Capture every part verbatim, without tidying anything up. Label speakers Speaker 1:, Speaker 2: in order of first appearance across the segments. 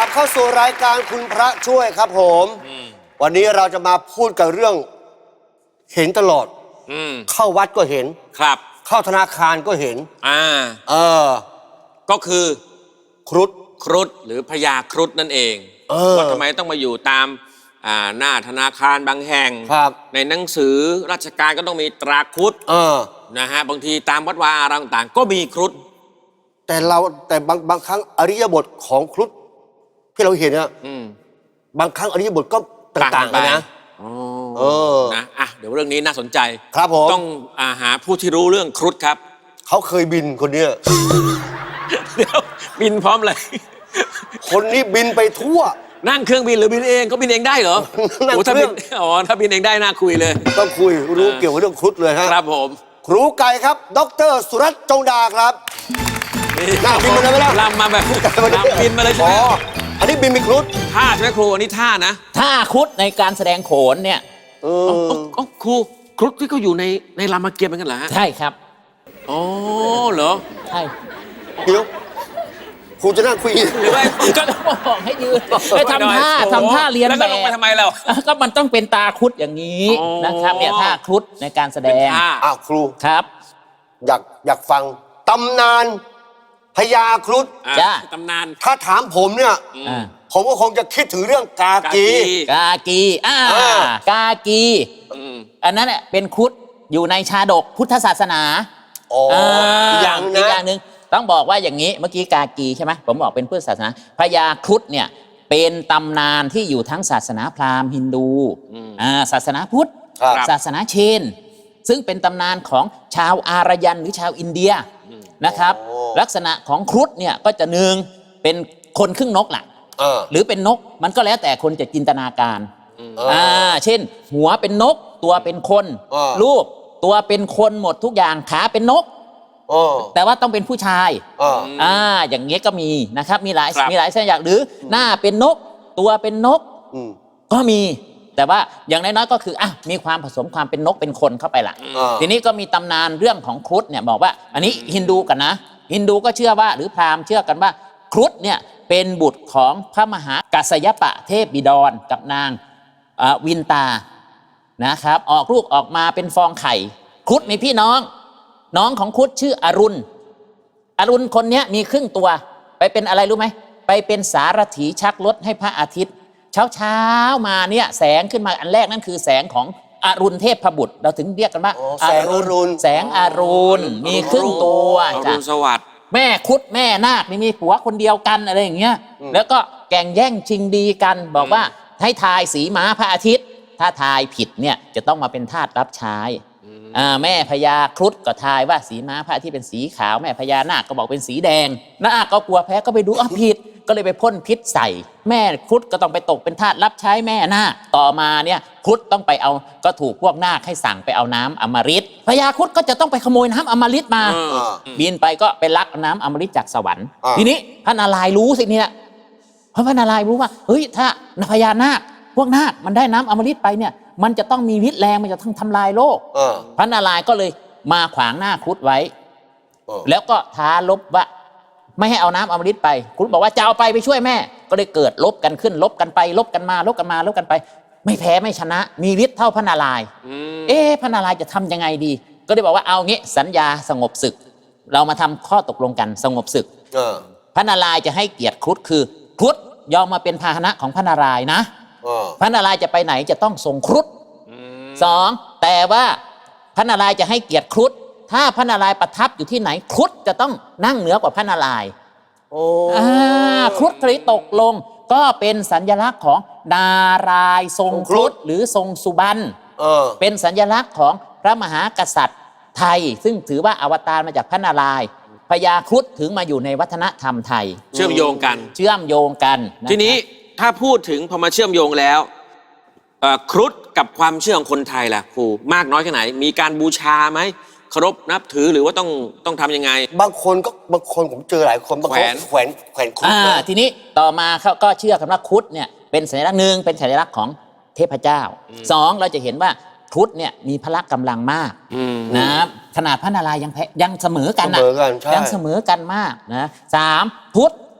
Speaker 1: บเข้าสู่รายการคุณพระช่วยครับผมวันนี้เราจะมาพูดกับเรื่องเห็นตลอดอเข้าวัดก็เห็นครับเข้าธนาคารก็เห็นอ่าเออ
Speaker 2: ก็คือ
Speaker 1: ครุฑ
Speaker 2: ครุฑหรือพญาครุฑนั่นเองเออว่าทำไมต้องมาอยู่ตามอ่าหน้าธนาคารบางแห่งครับในหนังสือราชการก็ต้องมีตราครุฑเออนะฮะบางทีตามวัดวาอารามต่างก็มีครุฑ
Speaker 1: แต่เราแต่บางบางครั้งอริยบทของครุฑที่เราเห็นเนี่ยบางครั้งอริยบทก็ต่างๆกันนะ
Speaker 2: เออนะอ่ะเดี๋ยวเรื่องนี้น่าสนใจ
Speaker 1: ครับผม
Speaker 2: ต้องอาหาผู้ที่รู้เรื่องครุฑครับ
Speaker 1: เขาเคยบินคนเนี้ย
Speaker 2: เดี๋ยวบินพร้อมเลย
Speaker 1: คนนี้บินไปทั่ว
Speaker 2: นั่งเครื่องบินหรือบินเองเขาบินเองได้เหรอ
Speaker 1: นั่งเครื่อง
Speaker 2: อ๋อถ้าบินเองได้น่าคุยเลย
Speaker 1: ต้องคุยรู้เกี่ยวกับเรื่องครุฑเลยฮะ
Speaker 2: ครับผม
Speaker 1: ครูไก่ครับดร.สุรัตน์จงดาครับนั่งบินมาเลยไหมล่ะ
Speaker 2: ลำมาแบบลำบินมาเลยใช่ไหม
Speaker 1: อันนี้บินมีครุฑ
Speaker 2: ท่าใช่ไหมครูอันนี้ท่านะ
Speaker 3: ท่าครุฑในการแสดงโขนเนี่ย
Speaker 2: เออครูครุฑที่เขาอยู่ในในรามเกียรติ์เหมือนกันเหรอฮะ
Speaker 3: ใช่ครับ
Speaker 2: อ๋อเหรอ
Speaker 3: ใช่
Speaker 1: เดี๋ยวครูจะนั่งคุย
Speaker 3: หรือว่าก็บอกให้ยืนให้ทำท่าทำท่าเรียนแบบแล้ว
Speaker 2: ลงไปทำไมเรา
Speaker 3: ก็มันต้องเป็นตาครุฑอย่างนี้นะครับเนี่ยท่าครุฑในการแสดง
Speaker 1: อ้าวครู
Speaker 3: ครับ
Speaker 1: อยากอยากฟังตำนานพญาครุฑ
Speaker 2: จ้าตำนาน
Speaker 1: ถ้าถามผมเนี่ยผมก็คงจะคิดถึงเรื่องกากี
Speaker 3: กากีอ่ากากีอันนั้นเนี่ยเป็นครุฑอยู่ในชาดกพุทธศาสนา
Speaker 1: อ๋ออย่าง
Speaker 3: อีกอย่างหนึ่งต้องบอกว่าอย่างนี้เมื่อกี้กากีใช่ไหมผมบอกเป็นพุทธศาสนาพญาครุฑเนี่ยเป็นตำนานที่อยู่ทั้งศาสนาพราหมณ์ฮินดูอ่าศาสนาพุทธศาสนาเชนซึ่งเป็นตำนานของชาวอารยันหรือชาวอินเดียนะครับลักษณะของครุฑเนี่ยก็จะหนึ่งเป็นคนครึ่งนกแหละหรือเป็นนกมันก็แล้วแต่คนจะจินตนาการอ่าเช่นหัวเป็นนกตัวเป็นคนรูปตัวเป็นคนหมดทุกอย่างขาเป็นนกแต่ว่าต้องเป็นผู้ชายอ่าอย่างเงี้ยก็มีนะครับมีหลายมีหลายเส้นอย่างหรือหน้าเป็นนกตัวเป็นนกก็มีแต่ว่าอย่างน้อยๆก็คืออ่ะมีความผสมความเป็นนกเป็นคนเข้าไปละทีนี้ก็มีตำนานเรื่องของครุฑเนี่ยบอกว่าอันนี้ฮินดูกันนะฮินดูก็เชื่อว่าหรือพราหมณ์เชื่อกันว่าครุฑเนี่ยเป็นบุตรของพระมหากัสสยปะเทพบิดรกับนางวินตานะครับออกลูกออกมาเป็นฟองไข่ครุฑมีพี่น้องน้องของครุฑชื่ออรุณอรุณคนนี้มีครึ่งตัวไปเป็นอะไรรู้ไหมไปเป็นสารถีชักรถให้พระอาทิตย์เช้าเช้ามาเนี่ยแสงขึ้นมาอันแรกนั่นคือแสงของอรุณเทพบุตรเราถึงเรียกกันว่า
Speaker 1: แสงอรุณ
Speaker 3: แสงอรุณมีครึ่งตัว
Speaker 2: จ้ะสวัสดิ์
Speaker 3: แม่ครุฑแม่นาคนี่มีผัวคนเดียวกันอะไรอย่างเงี้ยแล้วก็แก่งแย่งชิงดีกันบอกว่าให้ทายสีม้าพระอาทิตย์ถ้าทายผิดเนี่ยจะต้องมาเป็นทาสรับใช้แม่พญาครุฑก็ทายว่าสีม้าพระอาทิตย์เป็นสีขาวแม่พญานาคก็บอกเป็นสีแดงนาคก็กลัวแพ้ก็ไปดูอ้าวผิดก็เลยไปพ่นพิษใส่แม่ครุฑก็ต้องไปตกเป็นทาสรับใช้แม่นาคต่อมาเนี่ยครุฑต้องไปเอาก็ถูกพวกนาคให้สั่งไปเอาน้ำอมฤตพญาครุฑก็จะต้องไปขโมยน้ำอมฤตมาบินไปก็ไปลักน้ำอมฤตจากสวรรค์ทีนี้พระนารายณ์รู้สิเนี่ยเพราะพระนารายณ์รู้ว่าเฮ้ยถ้าพญานาคพวกนาคมันได้น้ำอมฤตไปเนี่ยมันจะต้องมีฤทธิ์แรงมันจะต้องทำลายโลกพระนารายณ์ก็เลยมาขวางหน้าครุฑไว้แล้วก็ท้าลบว่าไม่ให้เอาน้ำอมฤตไปครุฑบอกว่าจะเอาไปไปช่วยแม่ก็เลยเกิดลบกันขึ้นลบกันไปลบกันมาลบกันมาลบกันไปไม่แพ้ไม่ชนะมีฤทธิ์เท่าพระนารายณ์เอ๊ะพระนารายณ์จะทำยังไงดีก็เลยบอกว่าเอางี้สัญญาสงบศึกเรามาทำข้อตกลงกันสงบศึกพระนารายณ์จะให้เกียรติครุฑคือครุฑยอมมาเป็นพาหนะของพระนารายณ์นะพระนารายณ์จะไปไหนจะต้องส่งครุฑสองแต่ว่าพระนารายณ์จะให้เกียรติครุฑถ้าพระนารายณ์ประทับอยู่ที่ไหนครุฑจะต้องนั่งเหนือกว่าพระนารายณ์โอ้ครุฑเลยตกลงก็เป็นสัญลักษณ์ของนารายณ์ทรงครุฑหรือทรงสุบรรณเป็นสัญลักษณ์ของพระมหากษัตริย์ไทยซึ่งถือว่าอวตารมาจากพระนารายณ์พญาครุฑถึงมาอยู่ในวัฒนธรรมไทย
Speaker 2: เชื่อมโยงกัน
Speaker 3: เชื่อมโยงกัน
Speaker 2: ทีนี้ถ้าพูดถึงพอมาเชื่อมโยงแล้วครุฑกับความเชื่อของคนไทยล่ะครูมากน้อยแค่ไหนมีการบูชาไหมเคารพนับถือหรือว่าต้องต้องทำยังไง
Speaker 1: บางคนก็บางคนผมเจอหลายคนบางคนแขวนแขวนครุฑ
Speaker 3: ทีนี้ต่อมาเขาก็เชื่อกันว่าครุฑเนี่ยเป็นสัญลักษณ์หนึ่งเป็นสัญลักษณ์ของเทพเจ้าสองเราจะเห็นว่าครุฑเนี่ยมีพละกำลังมากนะขนาดพระนารายณ์ยังยังเสมอกันนะยังเสมอกันมากนะสามครุฑ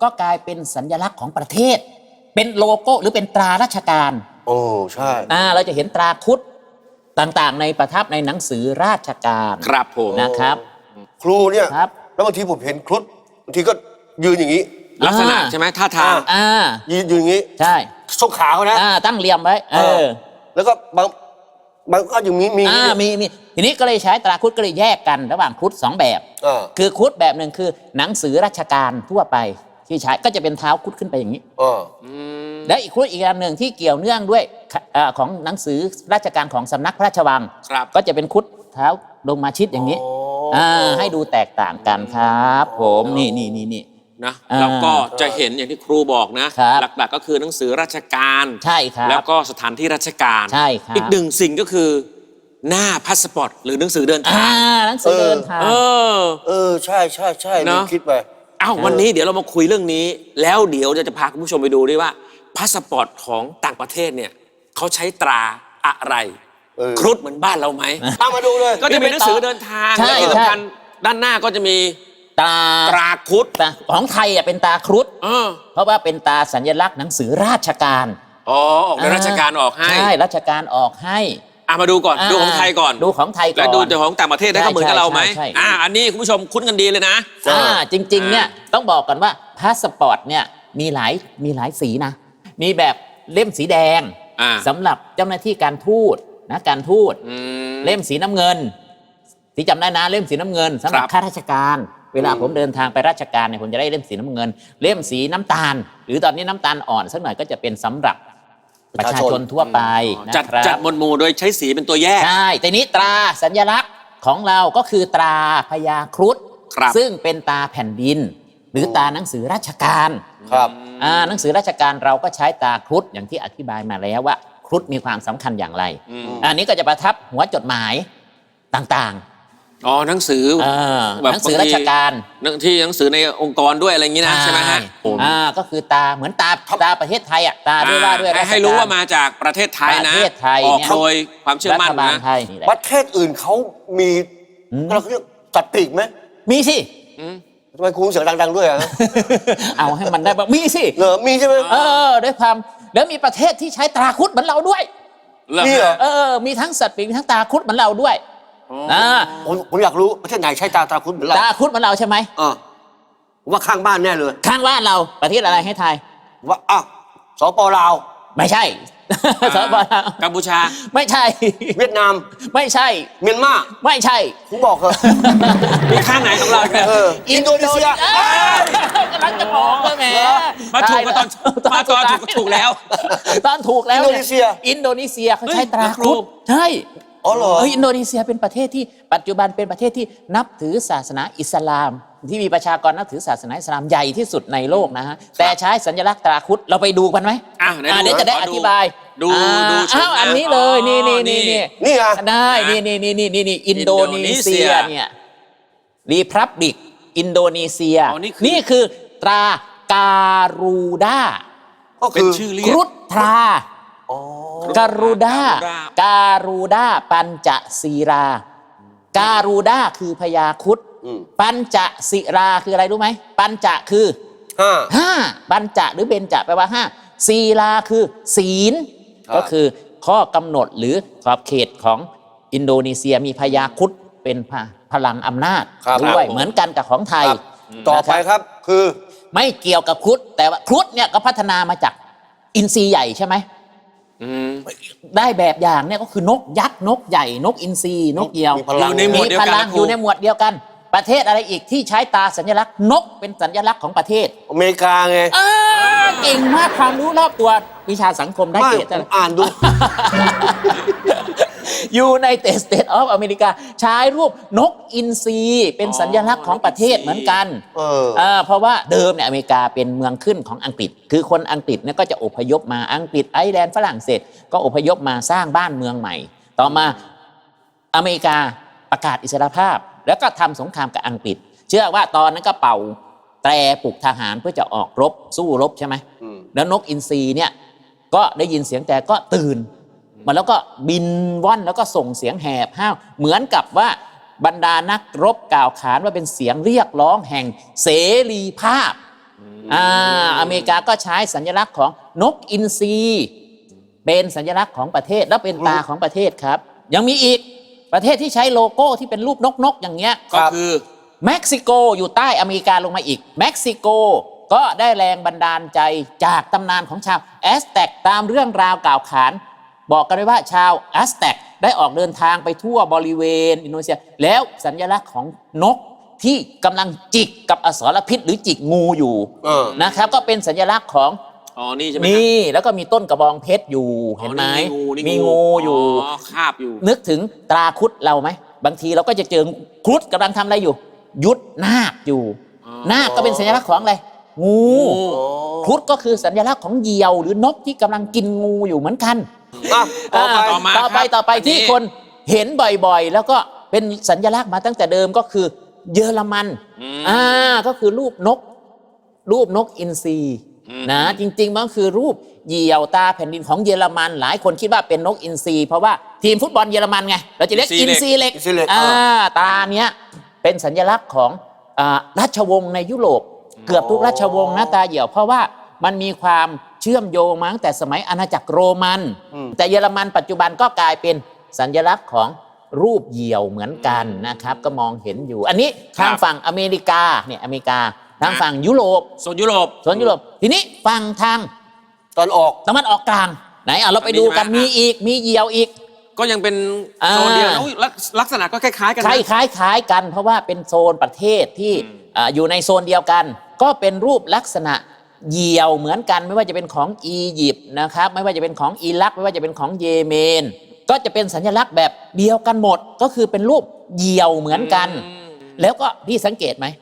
Speaker 3: ก็กลายเป็นสัญลักษณ์ของประเทศ เป็นโลโก้หรือเป็นตราราชการ
Speaker 1: โอ้ใช่
Speaker 3: อ่าเราจะเห็นตราครุฑต่างๆ ในประทับในหนังสือราชการ
Speaker 2: ครับผม
Speaker 3: นะครับ
Speaker 1: ครูเนี่ย
Speaker 3: ครับ
Speaker 1: แล้วบางทีผมเห็นครุฑบางทีก็ยืนอย่างนี้
Speaker 2: ลักษณะใช่ไหมท่าทาง
Speaker 3: อ่า
Speaker 1: ยืนยืนอย่างนี้
Speaker 3: ใช่
Speaker 1: ส้นขาเขานะ
Speaker 3: อ่าตั้งเรียมไว้เออ
Speaker 1: แล้วก็บางบางก็อย่างนี้มี
Speaker 3: อ่ามีมีทีนี้ก็เลยใช้ตราครุฑก็เลยแยกกันระหว่างครุฑสองแบบ
Speaker 1: อ่า
Speaker 3: คือครุฑแบบหนึ่งคือหนังสือราชการทั่วไปที่ใช้ก็จะเป็นเท้าครุฑขึ้นไปอย่างนี้
Speaker 1: อ่า
Speaker 3: แล้วอีกครุฑอีกอันหนึ่งที่เกี่ยวเนื่องด้วยเอ่อของหนังสือราชการของสำนักพระราชวัง
Speaker 2: ครับ
Speaker 3: ก็จะเป็นครุฑเท้าลงมาชิดอย่างนี้อ่าให้ดูแตกต่างกันครับผมนี่นี่นี่นี่
Speaker 2: นะ
Speaker 3: อ่า
Speaker 2: แล้วก็จะเห็นอย่างที่ครูบอกนะครับ หลักๆก็คือหนังสือราชการ
Speaker 3: ใช่ครับ
Speaker 2: แล้วก็สถานที่ราชการ
Speaker 3: ใช่ครับ
Speaker 2: อีกหนึ่งสิ่งก็คือหน้าพาสปอร์ตหรือหนังสือเดินทา
Speaker 3: อ่าง หนังสือเดินทาง
Speaker 2: เออ
Speaker 1: เออใช่ใช่ใช่
Speaker 2: เนอะ
Speaker 1: ลืมคิดไป
Speaker 2: อ้าววันนี้เดี๋ยวเรามาคุยเรื่องนี้ แล้วเดี๋ยวจะจะพาคุณผู้ชมไปดูด้วยว่าพาสปอร์ตของต่างประเทศเนี่ยเขาใช้ตราอะไร
Speaker 1: เออ
Speaker 2: ครุฑเหมือนบ้านเราไหม
Speaker 1: เอามาดูเลย
Speaker 2: ก็จะมีหนังสือเดินทาง
Speaker 3: ใช่
Speaker 2: และที่สำคัญด้านหน้าก็จะมี
Speaker 3: ตรา
Speaker 2: ตราครุฑ
Speaker 3: ตราของไทยอ่ะเป็นตราครุฑ
Speaker 2: เออ
Speaker 3: เพราะว่าเป็นตราสัญลักษณ์หนังสือราชการ
Speaker 2: อ๋อออกในราชการออกให้
Speaker 3: ใช่ราชการออกให้
Speaker 2: อ่ะมาดูก่อน
Speaker 3: อ่า
Speaker 2: ดูของไทยก่อน
Speaker 3: ดูของไทยก่อน
Speaker 2: แล้วดูแต่ของต่างประเทศได้
Speaker 3: ใช่
Speaker 2: ก็เหมือนกับเราไหม
Speaker 3: ใช่ใช่
Speaker 2: อ่าอันนี้คุณผู้ชมคุ้นกันดีเลยนะ
Speaker 3: อ่าจริงๆ
Speaker 2: อ่า
Speaker 3: เนี่ยต้องบอกกันว่าพาสปอร์ตเนี่ยมีหลายมีหลายสีนะ มีแบบเล่มสีแดง
Speaker 2: อ่า
Speaker 3: สำหรับเจ้าหน้าที่การทูตนะการทูต
Speaker 2: อืม
Speaker 3: เล่มสีน้ำเงินที่จำได้นะเล่มสีน้ำเงินสำหรับ
Speaker 2: ครับ
Speaker 3: ข้าราชการ เวลาผมเดินทางไปราชการเนี่ยผมจะได้เล่มสีน้ำเงิน เล่มสีน้ำตาล หรือตอนนี้น้ำตาลอ่อนสักหน่อยก็จะเป็นสำหรับประชาชนทั่วไปนะ
Speaker 2: จัด
Speaker 3: ครับ
Speaker 2: จัดหมวดหมู่โดยใช้สีเป็นตัวแยก
Speaker 3: ใช่แต่นี้ตราสัญลักษณ์ของเราก็คือตราพญาครุฑ
Speaker 2: ครับ
Speaker 3: ซึ่งเป็นตราแผ่นดิน หรือตราหนังสือราชการ
Speaker 1: ครับ
Speaker 3: อ่าหนังสือราชการเราก็ใช้ตราครุฑอย่างที่อธิบายมาแล้วว่าครุฑมีความสำคัญอย่างไร
Speaker 2: อืม
Speaker 3: อันนี้ก็จะประทับหัวจดหมายต่าง
Speaker 2: อ๋อหนังสือ
Speaker 3: ๆอ่า
Speaker 2: แบบ
Speaker 3: หนังสือราชการ
Speaker 2: หนังที่หนังสือในองค์กรด้วยอะไรอย่างนี้นะใช่ไหมฮะ
Speaker 3: อ่าก็คือตาเหมือนตาตาประเทศไทยอ่ะตาด้วยว่าด้วย
Speaker 2: ให้
Speaker 3: ราชก
Speaker 2: ให้รู้ว่ามาจากประเทศไทยนะ
Speaker 3: ประเทศไทย
Speaker 2: ออก
Speaker 3: เนี่ย
Speaker 2: โดยความเชื่อ
Speaker 3: รั
Speaker 2: มั่น
Speaker 3: ฐบาล
Speaker 2: นะ
Speaker 3: ไทยนี่แหละ
Speaker 1: ประเทศอื่นเขามี
Speaker 3: อืม
Speaker 1: เราเรียกจัดปีกไหม
Speaker 3: มีสิ
Speaker 2: อืม
Speaker 1: ทำไมครูเสียงดังๆด้วยอ่ะ
Speaker 3: เอาให้มันได้บ้างมีสิ
Speaker 1: เหรอมีใช่ไหม
Speaker 3: เออด้วยความแล้วมีประเทศที่ใช้ตราครุฑเหมือนเราด้วย
Speaker 2: เริ่ม
Speaker 1: นี่เหรอ
Speaker 3: เออ มีทั้งสัตว์ปีกมีทั้งตราครุฑเหมือนเราด้วย
Speaker 2: อ๋อ
Speaker 3: อ่า
Speaker 1: ผมผมอยากรู้ประเทศไหนใช้ตาตาคุณเหมือนเรา
Speaker 3: ตราครุฑเหมือนเราใช่ไหม
Speaker 1: เออผมว่าข้างบ้านแน่เลย
Speaker 3: ข้างบ้านเราประเทศอะไรให้ทาย
Speaker 1: ผมว่าอ้าวสปลาว
Speaker 3: ไม่ใช่ สปปลาว
Speaker 2: กัมพูชา
Speaker 3: ไม่ใช่
Speaker 1: เวียดนาม
Speaker 3: ไม่ใช่
Speaker 1: เมียนมา
Speaker 3: ไม่ใช่
Speaker 1: ผมบอกเหรอะ
Speaker 2: มีข้างไหนของเราอีกเนี่ย
Speaker 1: เอออินโดนีเซีย
Speaker 3: อ้าวกำลังจะบอกเลยแหม
Speaker 2: มาถูกมาตอนมาตอนถูกก็ถูกแล้ว
Speaker 3: ตอนถูกแล้ว
Speaker 1: อินโดนีเซีย
Speaker 3: อินโดนีเซียเขาใช้
Speaker 2: เฮ้ย
Speaker 3: ตรา
Speaker 2: นัก
Speaker 3: ค
Speaker 2: ร
Speaker 3: รุ
Speaker 2: บ
Speaker 3: ฑใช่
Speaker 1: อ๋อเหรอ
Speaker 3: เอออินโดนีเซียเป็นประเทศที่ปัจจุบันเป็นประเทศที่นับถือศาสนาอิสลาม ที่มีประชากรนับถือศาสนาอิสลามใหญ่ที่สุดในโลกนะฮะแต่ใช้สัญลักษณ์ตราครุฑเราไปดูกันไหม
Speaker 2: อ่ะไหน
Speaker 3: อ่า
Speaker 2: ดู
Speaker 3: เดี๋ยวจะได้
Speaker 2: ข
Speaker 3: อ
Speaker 2: อดู
Speaker 3: ธิบาย
Speaker 2: ดู
Speaker 3: อ่า
Speaker 2: ดูชม
Speaker 3: อ้าว
Speaker 2: นะ
Speaker 3: อันนี้เลย
Speaker 2: อ๋อ
Speaker 3: นี่นี่
Speaker 2: นี่
Speaker 3: นี่นี่
Speaker 1: นี่ไง
Speaker 3: ได้นี่นี่นี่นี่นี่นี่อินโดนีเซีย
Speaker 2: อินโดนีเซีย
Speaker 3: เนี่ยรีพับลิกอินโดนีเซีย
Speaker 2: อ๋อนี่คือ
Speaker 3: นี่คือตราการูดา
Speaker 1: ก็
Speaker 2: เป็น
Speaker 1: คือ
Speaker 2: ชื่อเรี
Speaker 3: ค
Speaker 2: ยก
Speaker 3: รุฑทรา
Speaker 1: อ๋อ
Speaker 3: การูดา
Speaker 2: การูดา
Speaker 3: การูดาปัญจศีรา การูดาคือพญาครุฑ
Speaker 1: อืม
Speaker 3: ปัญจศีราคืออะไรรู้ไหมปัญจะคือ
Speaker 1: ห้า
Speaker 3: ห้าปัญจะหรือเบญจะแปลว่าห้าศีราคือศีล
Speaker 1: ครับ
Speaker 3: ก็คือข้อกำหนดหรือขอบเขตของอินโดนีเซียมีพญาครุฑเป็นพพลังอำนาจ
Speaker 1: ครับ
Speaker 3: ด้วย
Speaker 1: ครับ
Speaker 3: เหมือนกันกับของไทย
Speaker 1: ครับต่อไปครับคือ
Speaker 3: ไม่เกี่ยวกับครุฑแต่ว่าครุฑเนี่ยก็พัฒนามาจากอินทรีใหญ่ใช่ไหม
Speaker 2: อืม
Speaker 3: ได้แบบอย่างเนี่ยก็คือนกยักษ์นกใหญ่นกอินทรีนกเหยี่ยว
Speaker 1: มีพลัง
Speaker 2: อยู่ในหมวดเดียวกัน
Speaker 3: พลัง
Speaker 2: นะครู
Speaker 3: อยู่ในหมวดเดียวกัน ประเทศอะไรอีกที่ใช้ตาสัญลักษณ์นกเป็นสัญลักษณ์ของประเทศ
Speaker 1: อเมริกาไง
Speaker 3: อ่าเก่งมากความรู้รอบตัววิชาสังคมได้
Speaker 1: ไม่
Speaker 3: เกรด
Speaker 1: ผมอ่านดู
Speaker 3: ยูไนเต็ดสเตทออฟอเมริกาใช้รูปนกอินทรีเป็นสัญลักษณ์ของประเทศเหมือนกัน
Speaker 1: เออ
Speaker 3: อ่าเพราะว่าเดิมเนี่ยอเมริกาเป็นเมืองขึ้นของอังกฤษ คือคนอังกฤษเนี่ยก็จะอพยพมาอังกฤษไอร์แลนด์ฝรั่งเศสก็อพยพมาสร้างบ้านเมืองใหม่ ต่อมาอเมริกาประกาศอิสรภาพ แล้วก็ทำสงครามกับอังกฤษ เชื่อว่าตอนนั้นก็เป่าแตรปลุกทหารเพื่อจะออกรบสู้รบใช่ไหม
Speaker 1: อืม
Speaker 3: แล้วนกอินทรีเนี่ยก็ได้ยินเสียงแต่ก็ตื่นมาแล้วก็บินว่อนแล้วก็ส่งเสียงแหบห้าวเหมือนกับว่าบรรดานักรบกล่าวขานว่าเป็นเสียงเรียกร้องแห่งเสรีภาพอ่าอเมริกาก็ใช้สัญลักษณ์ของนกอินทรีเป็นสัญลักษณ์ของประเทศและเป็นตาของประเทศครับยังมีอีกประเทศที่ใช้โลโก้ที่เป็นรูปนกนกอย่างเงี้ย
Speaker 2: ก็คือ
Speaker 3: เม็กซิโกอยู่ใต้อเมริกาลงมาอีกเม็กซิโกก็ได้แรงบันดาลใจจากตำนานของชาวแอสแต็กตามเรื่องราวกล่าวขานบอกกันไว้ว่าชาวแอสแต็กได้ออกเดินทางไปทั่วบริเวณอินโดนีเซียแล้วสัญลักษณ์ของนกที่กำลังจิกกับอสรพิษหรือจิกงูอยู่นะครับก็เป็นสัญลักษณ์ของ
Speaker 2: อ๋อนี่ใช่ไหม
Speaker 3: นี่แล้วก็มีต้นกระบองเพชรอยู่เห็นไหมมีงูอยู่
Speaker 2: คาบอยู่
Speaker 3: นึกถึงตราครุฑเราไหมบางทีเราก็จะเจอครุฑกำลังทำอะไรอยู่ยุดนาคอยู่นาคก็เป็นสัญลักษณ์ของอะไรงูครุฑก็คือสัญลักษณ์ของเหยี่ยวหรือนกที่กำลังกินงูอยู่เหมือนกัน
Speaker 1: ต่อไป
Speaker 3: ต่อไปต่อไปที่คนเห็นบ่อยๆแล้วก็เป็นสัญลักษณ์มาตั้งแต่เดิมก็คือเยอรมันอ่าก็คือรูปนกรูปนกอินทรีนะจริงๆมันคือรูปเหยี่ยวตาแผ่นดินของเยอรมันหลายคนคิดว่าเป็นนกอินทรีเพราะว่าทีมฟุตบอลเยอรมันไงเราจะเรียกอินทรีเล็กอ่าตาเนี้ยเป็นสัญลักษณ์ของราชวงศ์ในยุโรปเกือบทุกราชวงศ์นะตาเหยี่ยวเพราะว่ามันมีความเชื่อมโยงมาตั้งแต่สมัยอาณาจักรโรมันแต่เยอรมันปัจจุบันก็กลายเป็นสัญลักษณ์ของรูปเหยี่ยวเหมือนกันนะครับก็มองเห็นอยู่อันนี้ทางฝั่งอเมริกาเนี่ยอเมริกาทางฝั่งยุโรป
Speaker 2: โซนยุโรป
Speaker 3: โซนยุโรปทีนี้ฝั่งทาง
Speaker 1: ตอนออก
Speaker 3: ตะวันออกกลางไหนอ่ะเราไปดูกันมีอีกมีเหยี่ยวอีก
Speaker 2: ก็ยังเป็นโซนเดียวลักษณะก็คล้ายๆกัน
Speaker 3: คล้ายคล้ายคล้ายกันเพราะว่าเป็นโซนประเทศที่อยู่ในโซนเดียวกันก็เป็นรูปลักษณะเหยี่ยวเหมือนกันไม่ว่าจะเป็นของอียิปต์นะครับไม่ว่าจะเป็นของอิรักไม่ว่าจะเป็นของเยเมนก็จะเป็นสัญลักษณ์แบบเดียวกันหมดก็คือเป็นรูปเหยี่ยวเหมือนกันแล้วก็พี่สังเกตไหม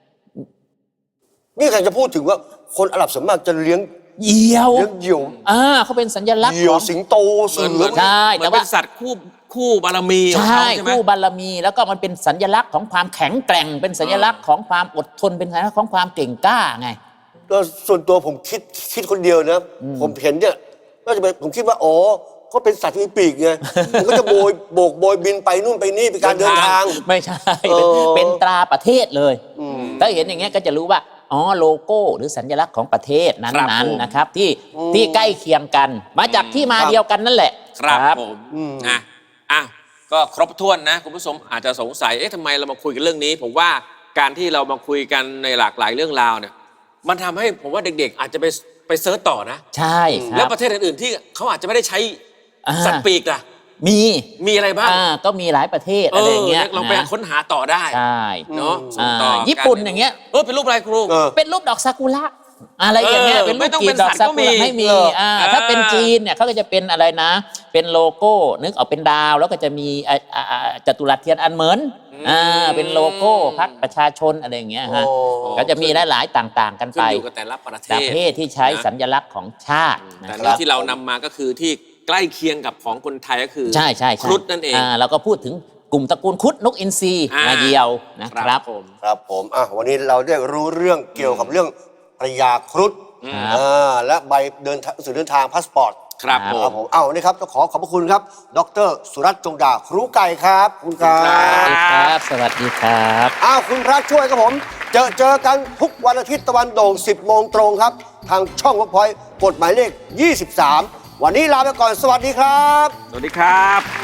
Speaker 1: นี่ใครจะพูดถึงว่าคนอาหรับส่วนมากจะเลี้ยง
Speaker 3: เหยี่ยว
Speaker 1: เลี้ยงเหยี่ยว
Speaker 3: อ่าเขาเป็นสัญลักษณ์
Speaker 1: เหยี่ยวสิงโตเสือ
Speaker 3: ใช่
Speaker 2: แต่ว่าเป็นสัตว์คู่คู่บารมี
Speaker 3: ใช่คู่บารมีแล้วก็มันเป็นสัญลักษณ์ของความแข็งแกร่งเป็นสัญลักษณ์ของความอดทนเป็นสัญลักษณ์ของความเก่งกล้าไง
Speaker 1: ก็ส่วนตัวผมคิดคิดคนเดียวนะผมเห็นเนี่ยก็จะเป็นผมคิดว่าอ๋อก็เป็นสัตว์มีปีกไงมันก็จะโบยโบกโบยบินไปนู่นไปนี่เป็นการเดินทาง
Speaker 3: ไม่ใช่เป็นตราประเทศเลยถ้าเห็นอย่างเงี้ยก็จะรู้ว่าอ๋อโลโก้หรือสัญลักษณ์ของประเทศนั้นๆนะครับที่ที่ใกล้เคียงกันมาจากที่มาเดียวกันนั่นแหละ
Speaker 2: ครับผมอ่ะอ่ะก็ครบถ้วนนะคุณผู้ชมอาจจะสงสัยเอ๊ะทำไมเรามาคุยกันเรื่องนี้ผมว่าการที่เรามาคุยกันในหลากหลายเรื่องราวเนี่ยมันทำให้ผมว่าเด็กๆอาจจะไปไปเซิร์ชต่อนะ
Speaker 3: ใช่
Speaker 2: แล้วประเทศอื่นๆที่เขาอาจจะไม่ได้ใช้สัตว์ปีกล่ะ
Speaker 3: มี
Speaker 2: มีอะไรบ้าง
Speaker 3: ก็มีหลายประเทศอะไรเงี้ย
Speaker 2: เราไปค้นหาต่อได้
Speaker 3: ใช่
Speaker 2: เนาะ
Speaker 3: ญี่ปุ่นอย่างเงี้ย
Speaker 2: เออเป็นรูปอะไรครู
Speaker 3: เป็นรูปดอกซากุระอะไรอย่างเงี้ยเป็นรูปกีบดอกซากุระไม่มีถ้าเป็นจีนเนี่ยเขาก็จะเป็นอะไรนะเป็นโลโก้นึกออกเป็นดาวแล้วก็จะมีจัตุรัสเทียนอันเหมินอ่าเป็นโลโก้พรรคประชาชนอะไรอย่างเงี้ยฮะก็จะมีหลายๆต่างๆกันไป
Speaker 2: อยู่กับแต่ละประเทศ
Speaker 3: ประเทศที่ใช้สัญลักษณ์ของชาติ
Speaker 2: แต่ที่เรานำมาก็คือที่ใกล้เคียงกับของคนไทยก็คือ
Speaker 3: ใช่ใช่
Speaker 2: ครุฑนั่นเอง
Speaker 3: เราก็พูดถึงกลุ่มตระกูลครุฑนกอินทรีมาเดียวนะครับ
Speaker 2: ผม
Speaker 1: ครับผมอ่ะวันนี้เราได้รู้เรื่องเกี่ยวกับเรื่องพญาครุฑและใบเดินสื่อเดินทางพาสปอร์ต
Speaker 2: ครับ
Speaker 1: ผมเอ้านี่ครับต้องขอขอบพระคุณครับดร.สุรัตน์จงดาครูไก่ครับคุณครับ
Speaker 3: สวัสดีครับสวัสดีครับ
Speaker 1: อ้าวคุณพระช่วยครับผมเจอเจอกันทุกวันอาทิตย์ตะวันโด่งสิบโมงตรงครับทางช่องเวิร์กพอยต์กฎหมายเลขยี่สิบสามวันนี้ลาไปก่อนสวัสดีครับ
Speaker 2: สวัสดีครับ